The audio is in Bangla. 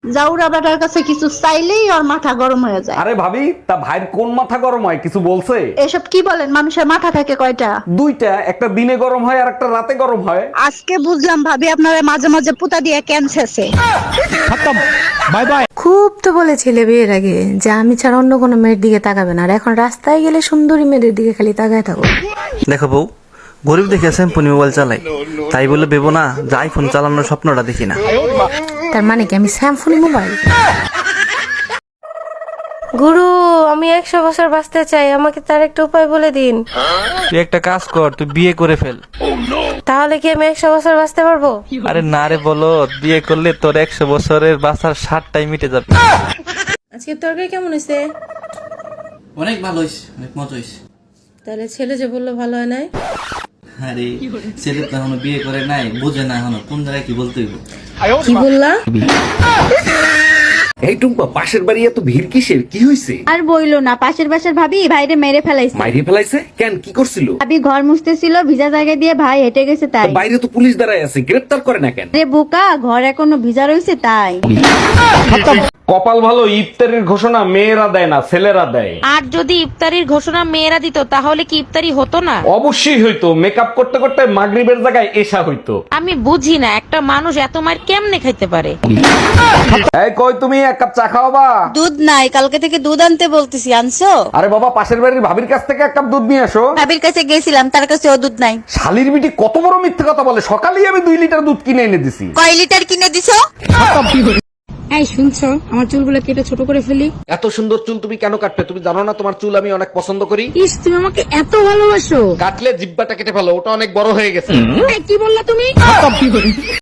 জাউরা বেটার কাছে কিছু চাইলেই ওর মাথা গরম হয়ে যায়। আরে ভাবি, তা ভাইয়ের কোন মাথা গরম হয় কিছু বলছে? এসব কি বলেন, মানুষের মাথা থাকে কয়টা? দুইটা, একটা দিনে গরম হয় আর একটা রাতে গরম হয়। আজকে বুঝলাম ভাবি আপনারা মাঝে মাঝে পুতা দিয়ে ক্যান্সারছে। Bye bye. খুব তো বলেছিলে বিয়ের আগে যে আমি ছাড়া অন্য কোনো মেয়ের দিকে তাকাবে না, আর এখন রাস্তায় গেলে সুন্দরী মেয়েদের দিকে খালি তাকায় থাকো। দেখো বউ, গরিব দেখে স্যাম্পনি মোবাইল চালাই, তাই বলে ভেবো না যে আইফোন চালানোর স্বপ্নটা দেখি না। তার মানে কি আমি স্যামসুং মোবাইল? গুরু, আমি 100 বছর বাঁচতে চাই, আমাকে তার একটা উপায় বলে দিন। তুই একটা কাজ কর, তুই বিয়ে করে ফেল। তাহলে কি আমি 100 বছর বাঁচতে পারবো? আরে না রে, বলো বিয়ে করলে তোর 100 বছরের বাঁচার 60টাই মিটে যাবে। আজকে তরকারি কেমন হয়েছে? অনেক ভালো হয়েছে, অনেক মজা হয়েছে। তাহলে ছেলে যে বললো ভালো হয় নাই? আরে ছেলে তো এখনো বিয়ে করে নাই, বুঝে না এখনো কোন জায়গায় কি বলতে হইব। কি বললা? এই টুম্পা, পাশের বাড়ি এত ভিড় কিসের? কি হয়েছে? আর বইলো না, পাশের বাসার ভাবি ভাইরে মেরে ফেলাইছে। মাইরে ফেলাইছে কেন? কি করছিল? ভাবি ঘর মুছতেছিল, ভিজা জায়গা দিয়ে ভাই হেঁটে গেছে তাই। বাইরে তো পুলিশ দাঁড়ায় আছে, গ্রেফতার করে না কেন? রে বোকা, ঘর এখনো ভিজা রয়েছে তাই। কপাল ভালো, ইফতারের ঘোষণা মেয়েরা দেয় না, ছেলেরা দেয়। আর যদি ইফতারির ঘোষণা মেয়েরা দিত তাহলে কি ইফতারি হতো না? অবশ্যই হইতো, মেকআপ করতে করতে মাগরিবের জায়গায় এশা হইতো। আমি বুঝি না একটা মানুষ এত মার কেমনে খাইতে পারে। এই কই তুমি, এক কাপ চা খাওয়াবা? দুধ নাই, কালকে থেকে দুধ আনতে বলতেছি, আনছো? আরে বাবা, পাশের বাড়ির ভাবির কাছ থেকে এক কাপ দুধ নিয়ে আসো। ভাবির কাছে গেছিলাম, তার কাছেও দুধ নাই। শালির বিটি কত বড় মিথ্যে কথা বলে, সকালেই আমি 2 লিটার দুধ কিনে এনে দিছি। কয় লিটার কিনে দিছো? এই শুনছো, আমার চুলগুলো কেটে ছোট করে ফেলি। এত সুন্দর চুল তুমি কেন কাটবে? তুমি জানো না তোমার চুল আমি অনেক পছন্দ করি? ইস, তুমি আমাকে এত ভালোবাসো। কাটলে জিব্বাটা কেটে ফেলো, ওটা অনেক বড় হয়ে গেছে। এই, কি বললা তুমি?